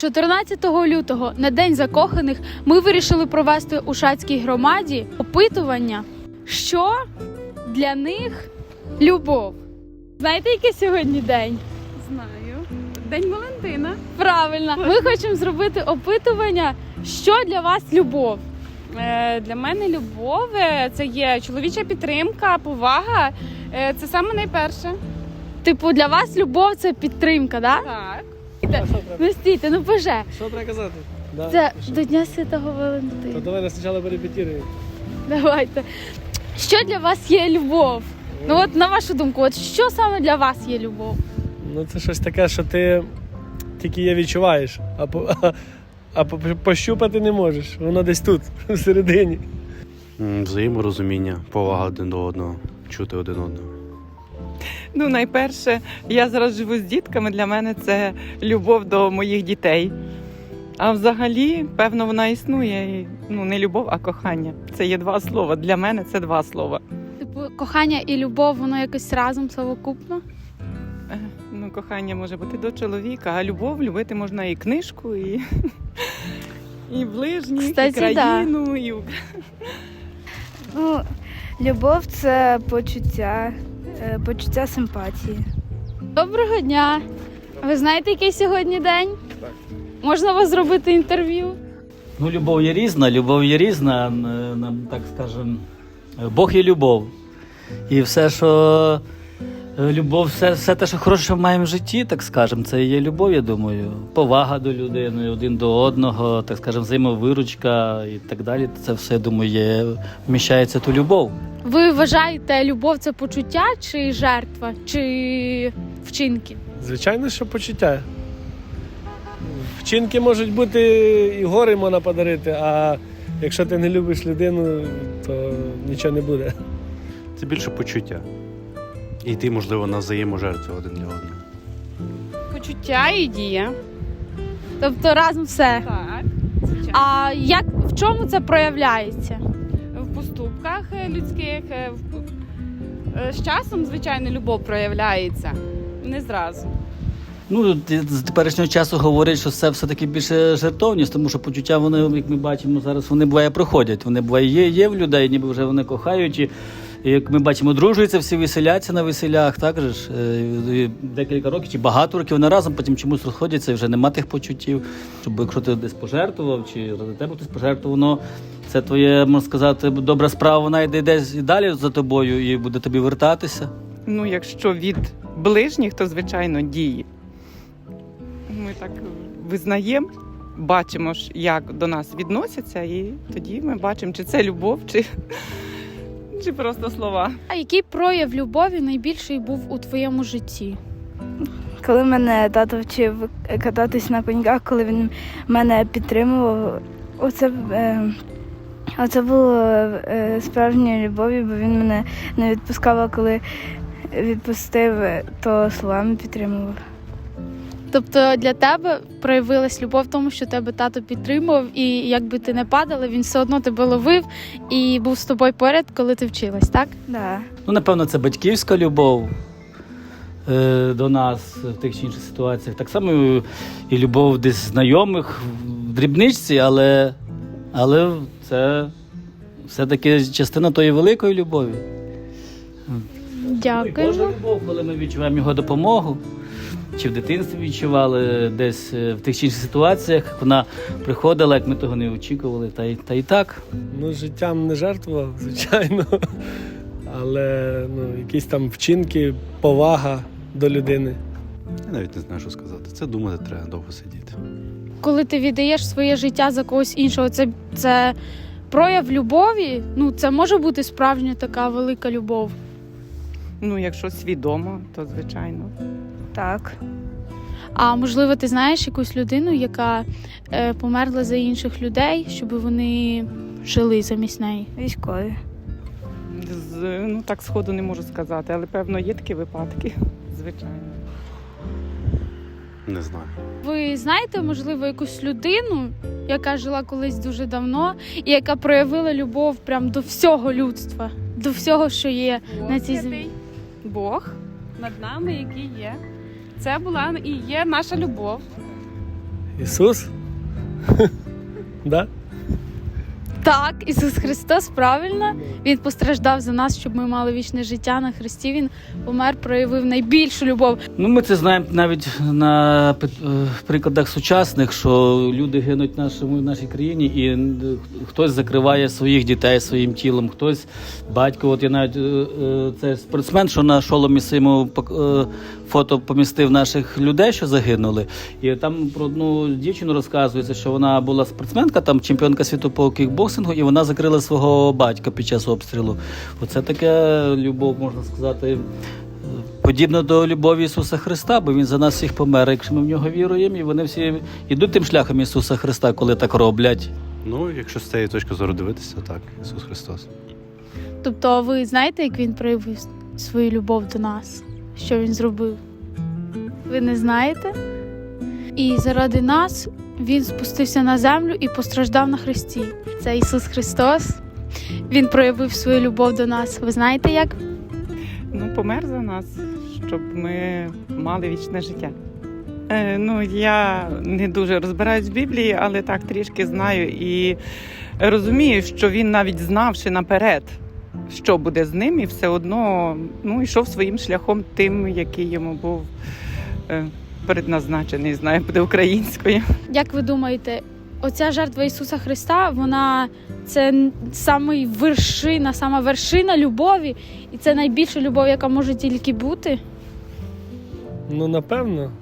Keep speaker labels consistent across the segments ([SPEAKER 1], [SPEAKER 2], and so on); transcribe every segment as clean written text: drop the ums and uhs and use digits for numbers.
[SPEAKER 1] 14 лютого, на День закоханих, ми вирішили провести у Шацькій громаді опитування, що для них любов. Знаєте, який сьогодні день?
[SPEAKER 2] Знаю. День Валентина.
[SPEAKER 1] Правильно. Ми хочемо зробити опитування, що для вас любов.
[SPEAKER 2] Для мене любов – це є чоловіча підтримка, повага. Це саме найперше.
[SPEAKER 1] Типу, для вас любов – це підтримка, да?
[SPEAKER 2] Так.
[SPEAKER 1] Ну стійте, ну боже.
[SPEAKER 3] Що треба казати? Да,
[SPEAKER 1] Це
[SPEAKER 3] що?
[SPEAKER 1] до Дня Святого
[SPEAKER 3] То
[SPEAKER 1] Валентина.
[SPEAKER 3] давай спочатку перепетируємо.
[SPEAKER 1] Давайте. Що для вас є любов? Ну от на вашу думку, от що саме для вас є любов?
[SPEAKER 3] Ну це щось таке, що ти тільки її відчуваєш, а пощупати не можеш. Воно десь тут, всередині.
[SPEAKER 4] Взаєморозуміння, повага один до одного, чути один одного.
[SPEAKER 5] Ну, найперше, я зараз живу з дітками, для мене це любов до моїх дітей. А взагалі, певно, вона існує. Ну, не любов, а кохання. Це є два слова. Для мене це два слова.
[SPEAKER 1] Типу, кохання і любов, воно якось разом совокупно?
[SPEAKER 5] Ну, кохання може бути до чоловіка, а любов любити можна і книжку, і, і ближніх, і
[SPEAKER 1] Кстати,
[SPEAKER 5] країну, і...
[SPEAKER 6] Ну, любов – це почуття симпатії.
[SPEAKER 1] Доброго дня! Ви знаєте, який сьогодні день? Так. Можна вас зробити інтерв'ю?
[SPEAKER 7] Ну, любов є різна, так скажем, Бог є любов. І все, що любов, все те, що хороше, що маємо в житті, так скажем, це і є любов, я думаю. Повага до людини, один до одного, так скажем, взаємовиручка і так далі. Це все, я думаю, вміщається ту любов.
[SPEAKER 1] Ви вважаєте, любов – це почуття чи жертва, чи вчинки?
[SPEAKER 3] Звичайно, що почуття. Вчинки можуть бути і гори можна подарити, а якщо ти не любиш людину, то нічого не буде.
[SPEAKER 4] Це більше почуття. І йти, можливо, на взаєможертву один для одного.
[SPEAKER 2] Почуття і дія.
[SPEAKER 1] Тобто разом все.
[SPEAKER 2] Так. Звичайно.
[SPEAKER 1] А як, в чому це проявляється?
[SPEAKER 2] В поступках людських. З часом, звичайно, любов проявляється. Не зразу.
[SPEAKER 7] Ну, з теперішнього часу говорять, що це все-таки більше жертовність, тому що почуття, вони, як ми бачимо зараз, вони буває проходять. Вони буває є в людей, ніби вже вони кохають. І як ми бачимо, дружуються всі, веселяться на веселях, так же ж, декілька років чи багато років вони разом, потім чомусь розходяться і вже нема тих почуттів. Щоб якщо ти десь пожертвував, чи ради тебе хтось пожертвував, воно це твоє, можна сказати, добра справа, вона йде десь і далі за тобою і буде тобі вертатися.
[SPEAKER 5] Ну, якщо від ближніх, то, звичайно, дії. Ми так визнаємо, бачимо, як до нас відносяться, і тоді ми бачимо, чи це любов, чи просто слова.
[SPEAKER 1] А який прояв любові найбільший був у твоєму житті?
[SPEAKER 6] Коли мене тато вчив кататись на коньках, коли він мене підтримував, оце було справжньою любов'ю, бо він мене не відпускав, а коли відпустив, то словами підтримував.
[SPEAKER 1] Тобто для тебе проявилась любов в тому, що тебе тато підтримував, і якби ти не падала, він все одно тебе ловив і був з тобою поряд, коли ти вчилась, так?
[SPEAKER 6] Да.
[SPEAKER 7] Ну, напевно, це батьківська любов до нас в тих чи інших ситуаціях. Так само і любов десь знайомих в дрібничці, але це все-таки частина тої великої любові. І
[SPEAKER 1] Дякую.
[SPEAKER 7] Божа любов, коли ми відчуваємо його допомогу, чи в дитинстві відчували десь в тих чи інших ситуаціях, вона приходила, як ми того не очікували, та й так.
[SPEAKER 3] Ну, життям не жертвував, звичайно. Але якісь там вчинки, повага до людини.
[SPEAKER 4] Я навіть не знаю, що сказати. Це думати треба довго сидіти.
[SPEAKER 1] Коли ти віддаєш своє життя за когось іншого, це прояв любові? Ну, це може бути справжня така велика любов.
[SPEAKER 5] Ну, якщо свідомо, то звичайно.
[SPEAKER 6] Так.
[SPEAKER 1] А можливо, ти знаєш якусь людину, яка померла за інших людей, щоб вони жили замість неї?
[SPEAKER 6] Військові.
[SPEAKER 5] Ну, так сходу не можу сказати, але, певно, є такі випадки, звичайно.
[SPEAKER 4] Не знаю.
[SPEAKER 1] Ви знаєте, можливо, якусь людину, яка жила колись дуже давно, і яка проявила любов прям до всього людства, до всього, що є на цій землі?
[SPEAKER 2] Бог над нами, який є. Це була і є наша любов.
[SPEAKER 3] Ісус? Да?
[SPEAKER 1] Так, Ісус Христос, правильно. Він постраждав за нас, щоб ми мали вічне життя на Христі. Він помер, проявив найбільшу любов.
[SPEAKER 7] Ну, ми це знаємо навіть на прикладах сучасних, що люди гинуть в нашій країні, і хтось закриває своїх дітей своїм тілом, хтось батько. От я навіть це спортсмен, що на шоломі своєму фото помістив наших людей, що загинули. І там про одну дівчину розказується, що вона була спортсменка, там чемпіонка світу по кікбоксингу, і вона закрила свого батька під час обстрілу. Оце така любов, можна сказати, подібно до любові Ісуса Христа, бо Він за нас всіх помер, якщо ми в нього віруємо, і вони всі йдуть тим шляхом Ісуса Христа, коли так роблять.
[SPEAKER 4] Ну, якщо з цієї точки зору дивитися, так, Ісус Христос.
[SPEAKER 1] Тобто ви знаєте, як Він проявив свою любов до нас? Що Він зробив? Ви не знаєте? І заради нас Він спустився на землю і постраждав на хресті. Це Ісус Христос. Він проявив свою любов до нас. Ви знаєте як?
[SPEAKER 5] Ну, помер за нас, щоб ми мали вічне життя. Ну, я не дуже розбираюсь в Біблії, але так трішки знаю і розумію, що він навіть знавши наперед, що буде з ним, і все одно йшов своїм шляхом тим, який йому був предназначений, знаю, буде українською.
[SPEAKER 1] Як ви думаєте, оця жертва Ісуса Христа, вона це сама вершина любові, і це найбільша любов, яка може тільки бути?
[SPEAKER 3] Ну, напевно.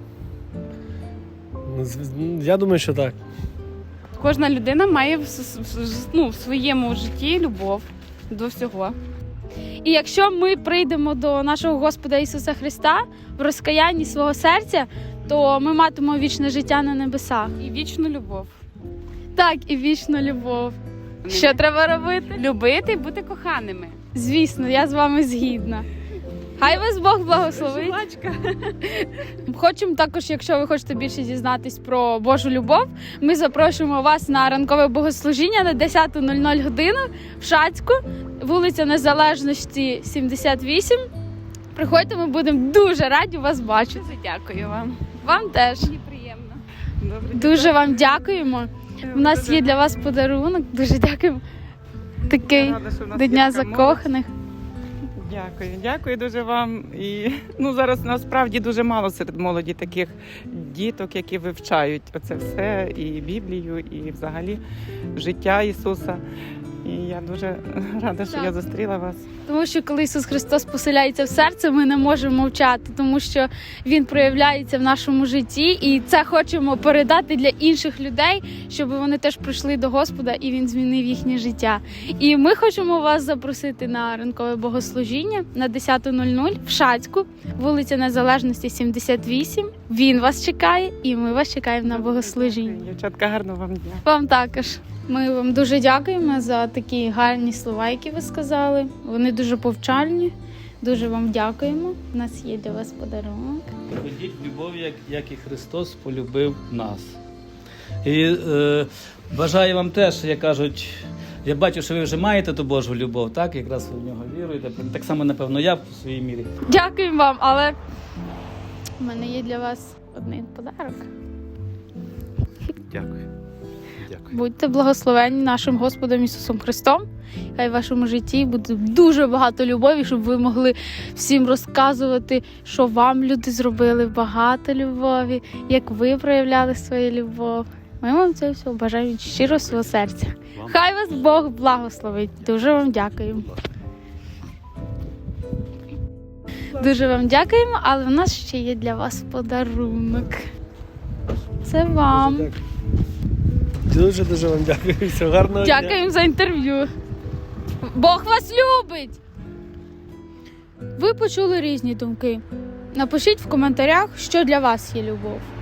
[SPEAKER 3] Я думаю, що так.
[SPEAKER 2] Кожна людина має в своєму житті любов до всього.
[SPEAKER 1] І якщо ми прийдемо до нашого Господа Ісуса Христа в розкаянні свого серця, то ми матимемо вічне життя на небесах.
[SPEAKER 2] І вічну любов.
[SPEAKER 1] Так, і вічну любов. Що треба робити?
[SPEAKER 2] Любити і бути коханими.
[SPEAKER 1] Звісно, я з вами згідна. Хай вас Бог благословить. Хочемо також, якщо ви хочете більше дізнатись про Божу любов, ми запрошуємо вас на ранкове богослужіння на 10:00 годину в Шацьку, вулиця Незалежності, 78. Приходьте, ми будемо дуже раді вас бачити.
[SPEAKER 2] Дуже дякую вам.
[SPEAKER 1] Вам теж.
[SPEAKER 2] Мені приємно.
[SPEAKER 5] Добре,
[SPEAKER 1] Дуже вам дякуємо. У нас є для вас подарунок. Дуже дякуємо. Такий
[SPEAKER 5] Я рада, що в нас
[SPEAKER 1] до
[SPEAKER 5] є
[SPEAKER 1] Дня
[SPEAKER 5] така молодь.
[SPEAKER 1] закоханих.
[SPEAKER 5] Дякую дуже вам. І зараз насправді дуже мало серед молоді таких діток, які вивчають оце все, і Біблію, і взагалі життя Ісуса. І я дуже рада, що
[SPEAKER 1] Так.
[SPEAKER 5] я зустріла вас.
[SPEAKER 1] Тому що коли Ісус Христос поселяється в серце, ми не можемо мовчати, тому що Він проявляється в нашому житті, і це хочемо передати для інших людей, щоб вони теж прийшли до Господа, і Він змінив їхнє життя. І ми хочемо вас запросити на ранкове богослужіння на 10:00 в Шацьку, вулиця Незалежності, 78. Він вас чекає, і ми вас чекаємо на богослужіння.
[SPEAKER 5] Дівчатка, гарного вам дня.
[SPEAKER 1] Вам також. Ми вам дуже дякуємо за такі гарні слова, які ви сказали. Вони дуже повчальні. Дуже вам дякуємо. У нас є для вас подарунок.
[SPEAKER 7] Ходіть в любові, як і Христос полюбив нас. І бажаю вам теж, як кажуть, я бачу, що ви вже маєте ту Божу любов, так? Якраз ви в нього віруєте. Так само, напевно, я в своїй мірі.
[SPEAKER 1] Дякуємо вам, але в мене є для вас один подарок.
[SPEAKER 4] Дякую. Дякую.
[SPEAKER 1] Будьте благословенні нашим Господом Ісусом Христом. Хай в вашому житті буде дуже багато любові, щоб ви могли всім розказувати, що вам люди зробили, багато любові, як ви проявляли свою любов. Ми вам це все бажаємо щиро свого серця. Хай вас Бог благословить. Дуже вам дякуємо. Дуже вам дякуємо, але в нас ще є для вас подарунок. Це вам.
[SPEAKER 3] Дуже вам дякую. Всього гарного дня.
[SPEAKER 1] Дякуємо за інтерв'ю. Бог вас любить! Ви почули різні думки. Напишіть в коментарях, що для вас є любов.